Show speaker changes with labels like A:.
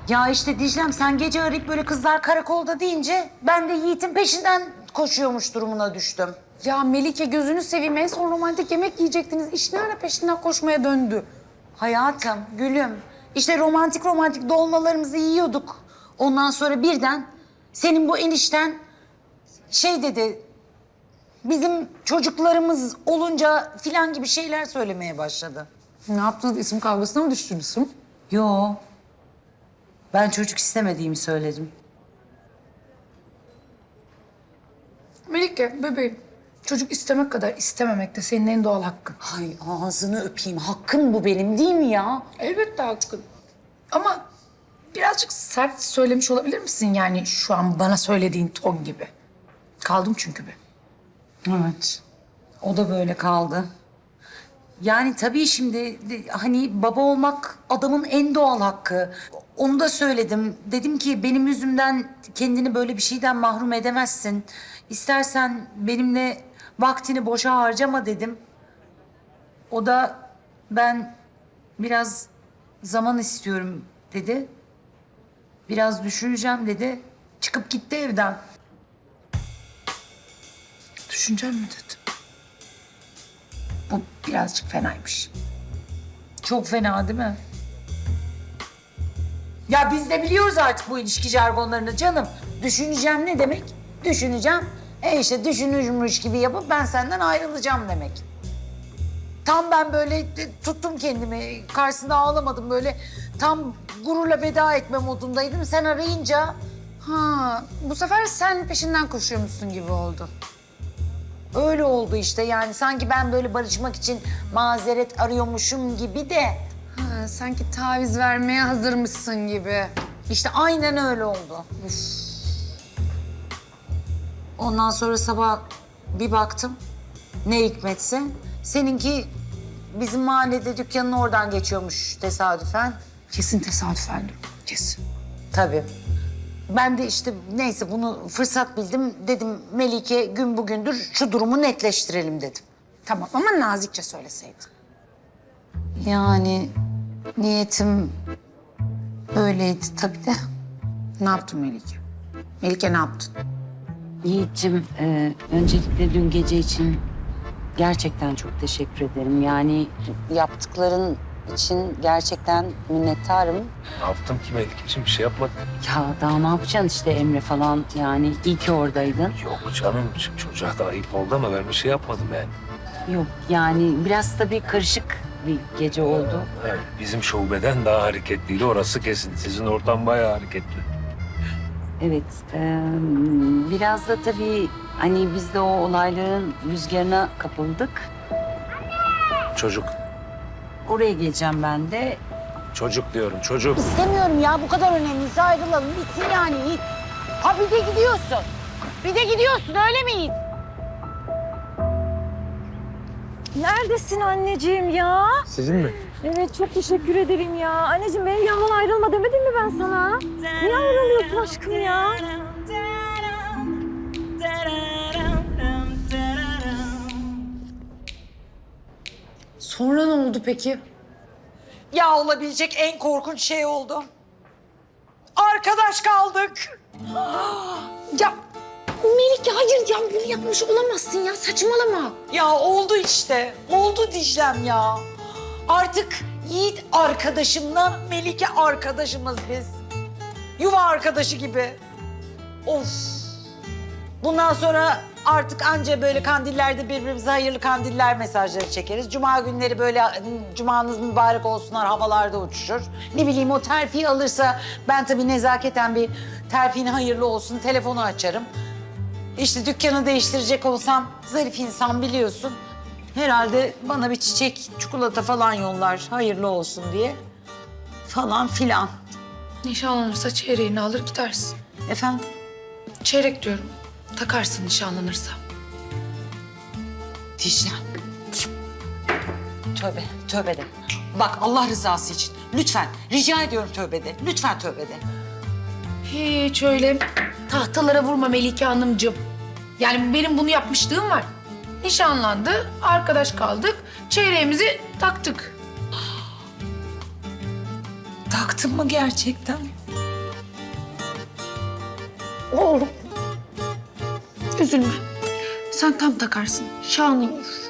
A: Ya işte Dicle'm sen gece arayıp böyle kızlar karakolda deyince ben de Yiğit'in peşinden koşuyormuş durumuna düştüm.
B: Ya Melike gözünü seveyim, en son romantik yemek yiyecektiniz. İş ne ara peşinden koşmaya döndü?
A: Hayatım, gülüm. İşte romantik dolmalarımızı yiyorduk. Ondan sonra birden senin bu enişten şey dedi. Bizim çocuklarımız olunca filan gibi şeyler söylemeye başladı.
B: Ne yaptınız? İsim kavgasına mı düştünüz?
A: Yo. Ben çocuk istemediğimi söyledim.
B: Melike, bebeğim. Çocuk istemek kadar istememek de senin en doğal hakkın.
A: Ay ağzını öpeyim. Hakkım bu benim değil mi ya?
B: Elbette hakkın. Ama birazcık sert söylemiş olabilir misin? Yani şu an bana söylediğin ton gibi. Kaldım çünkü bir.
A: Evet. O da böyle kaldı. Yani tabii şimdi hani baba olmak adamın en doğal hakkı. Onu da söyledim. Dedim ki benim yüzümden kendini böyle bir şeyden mahrum edemezsin. İstersen benimle vaktini boşa harcama dedim. O da ben biraz zaman istiyorum dedi. Biraz düşüneceğim dedi. Çıkıp gitti evden.
B: Düşüncem mi dedim?
A: Bu birazcık fenaymış. Çok fena değil mi? Ya biz de biliyoruz artık bu ilişki jargonlarını canım. Düşüneceğim ne demek? Düşüneceğim. İşte düşünürmüş gibi yapıp ben senden ayrılacağım demek. Tam ben böyle tuttum kendimi. Karşısında ağlamadım böyle. Tam gururla veda etme modundaydım. Sen arayınca
B: Ha, bu sefer sen peşinden koşuyormuşsun gibi oldu.
A: öyle oldu işte. Yani sanki ben böyle barışmak için mazeret arıyormuşum gibi de.
B: Ha, sanki taviz vermeye hazırmışsın gibi.
A: İşte aynen öyle oldu. Üf. Ondan sonra sabah bir baktım. Ne hikmetse. Seninki bizim mahallede dükkanın oradan geçiyormuş tesadüfen.
B: Kesin tesadüfendir. Kesin.
A: Tabii. Ben de işte neyse bunu fırsat bildim. Dedim Melike gün bugündür şu durumu netleştirelim dedim.
B: Tamam ama nazikçe söyleseydin.
A: Yani niyetim öyleydi tabii de.
B: Ne yaptın Melike? Melike ne yaptın?
C: Yiğit'cim, öncelikle dün gece için gerçekten çok teşekkür ederim. Yani yaptıkların için gerçekten minnettarım.
D: Ne yaptım ki Melike'ciğim? Bir şey yapmadım.
C: Ya daha ne yapacaksın işte Emre falan yani iyi ki oradaydın.
D: Yok canım, çocuğa da ayıp oldu ama ben bir şey yapmadım yani.
C: Yok yani biraz tabii karışık bir gece oldu.
D: Evet, bizim şubeden daha hareketliydi, orası kesin. Sizin ortam bayağı hareketli.
C: Evet, biraz da tabii hani biz de o olayların rüzgarına kapıldık.
D: Çocuk,
C: Oraya geleceğim ben de.
D: çocuk diyorum, çocuk.
A: İstemiyorum ya bu kadar önemliyse ayrılalım bitsin yani Yiğit. Ha bir de gidiyorsun. Bir de gidiyorsun öyle mi Yiğit?
E: Neredesin anneciğim ya?
D: Sizin mi?
E: Evet çok teşekkür ederim ya. Anneciğim benim yanımdan ayrılma demedim mi ben sana? Niye ayrılıyorsun aşkım ya?
B: Sonra ne oldu peki?
A: Ya olabilecek en korkunç şey oldu. Arkadaş kaldık.
B: Ya Melike hayır ya bunu yapmış olamazsın ya, saçmalama.
A: Ya oldu işte. Oldu Dicle'm ya. Artık Yiğit arkadaşımla Melike arkadaşımız biz. Yuva arkadaşı gibi. Of. Bundan sonra artık anca böyle kandillerde birbirimize hayırlı kandiller mesajları çekeriz. Cuma günleri böyle cumanız mübarek olsunlar havalarda uçuşur. Ne bileyim o terfi alırsa ben tabii nezaketen bir terfin hayırlı olsun telefonu açarım. İşte dükkanı değiştirecek olsam zarif insan biliyorsun. Herhalde bana bir çiçek, çikolata falan yollar hayırlı olsun diye. Falan filan.
B: Nişanlanırsa çeyreğini alır gidersin.
A: Efendim?
B: Çeyrek diyorum. Takarsın nişanlanırsa.
A: Dicle'm. Tövbe, tövbe de. Bak Allah rızası için lütfen rica ediyorum tövbe de. Lütfen tövbe de.
B: Hiç öyle tahtalara vurma Melike Hanımcığım. Yani benim bunu yapmışlığım var. Nişanlandı, arkadaş kaldık, çeyreğimizi taktık.
A: Taktın mı gerçekten?
B: Oğlum. Üzülme. Sen tam takarsın. Şanın olur.